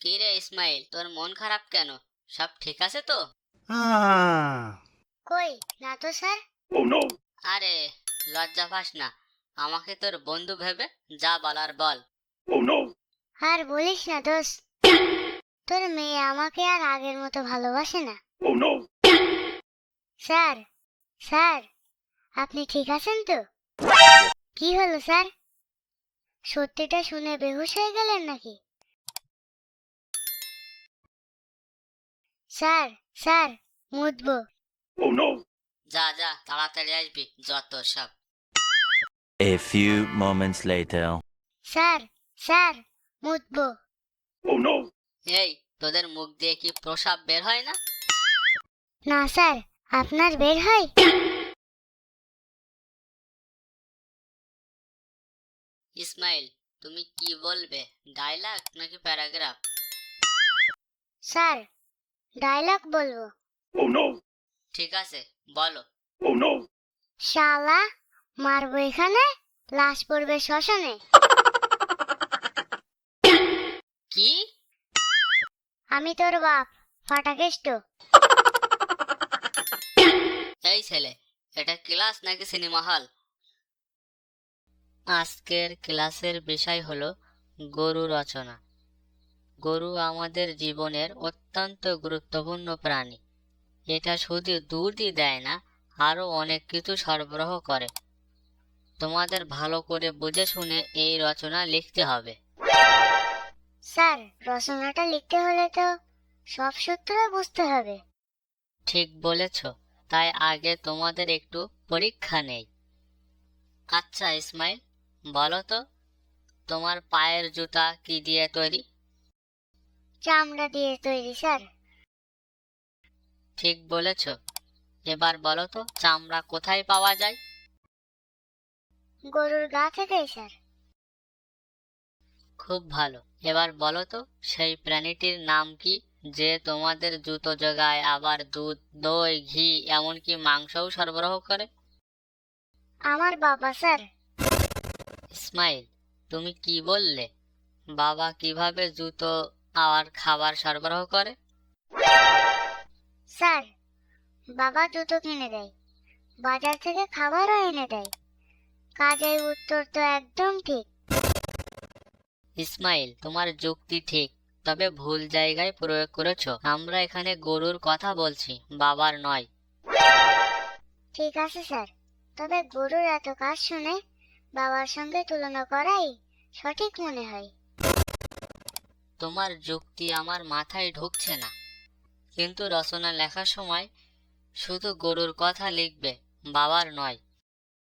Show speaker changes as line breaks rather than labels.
কি রে ইসমাইল, তোর মন খারাপ কেন? সব ঠিক আছে তো?
কই না তো স্যার।
আরে লজ্জা পাস না, আমাকে তোর বন্ধু ভেবে যা বলার বল।
আর বলিস না দোস্ত, তোর মেয়ে আমাকে আর আগের মতো ভালোবাসে না। স্যার, স্যার, আপনি ঠিক আছেন তো? কি হলো স্যার? সত্যিটা শুনে বেহুশ হয়ে গেলেন নাকি? স্যার, স্যার, মুতবো।
যা যা, তাড়াতাড়ি আসবি, যত সব।
A few moments later.
Sir, sir, মুতবো।
এই, তোদের মুখ দিয়ে কি প্রসাব বের হয় না?
না স্যার, আপনার বের হয়।
ইসমাইল, তুমি কি বলবে, ডায়লগ নাকি প্যারাগ্রাফ?
স্যার, ডায়লগ বলবো।
ঠিক আছে, বলো।
শালা, মারবো এখানে, লাশ পড়বে শ্মশানে।
কি?
আমি তোর বাপ, ফাটাকেষ্ট।
এই ছেলে, এটা ক্লাস নাকি সিনেমা হল? আজকের ক্লাসের বিষয় হলো গরু রচনা। গরু আমাদের জীবনের অত্যন্ত গুরুত্বপূর্ণ প্রাণী। এটা শুধু দুধই দেয় না, আরো অনেক কিছু সরবরাহ করে। তোমাদের ভালো করে বুঝে শুনে এই রচনা লিখতে হবে।
স্যার, রচনাটা লিখতে হলে তো সব সূত্র বুঝতে হবে।
ঠিক বলেছ, তাই আগে তোমাদের একটু পরীক্ষা নেই। আচ্ছা ইসমাইল, বলো তো, তোমার পায়ের জুতা কি দিয়ে তৈরি?
চামড়া দিয়ে তৈরি স্যার।
ঠিক বলেছ। এবার বলো তো, চামড়া কোথায় পাওয়া যায়?
গরুর গা থেকে স্যার।
খুব ভালো। এবার বলো তো, সেই প্রাণীটির নাম কি, যে তোমাদের জুতো জোগায়, আবার দুধ, দই, ঘি, এমনকি মাংসও সরবরাহ করে?
আমার বাবা স্যার।
ইসমাইল, তুমি কি বললে? বাবা কিভাবে জুতো আর খাবার সরবরাহ করে?
স্যার, বাবা জুতো কিনে দেয়, বাজার থেকে খাবারও এনে দেয়। কাজের উত্তর তো একদম ঠিক।
ইসমাইল, তোমার যুক্তি ঠিক, তবে ভুল জায়গায় প্রয়োগ করেছো। আমরা এখানে গরুর কথা বলছি, বাবার নয়।
ঠিক আছে স্যার, তবে গরুর এত কাজ শুনে বাবার সঙ্গে তুলনা করাই সঠিক মনে হয়।
তোমার যুক্তি আমার মাথায় ঢুকছে না, কিন্তু রচনা লেখার সময় শুধু গরুর কথা লিখবে, বাবার নয়।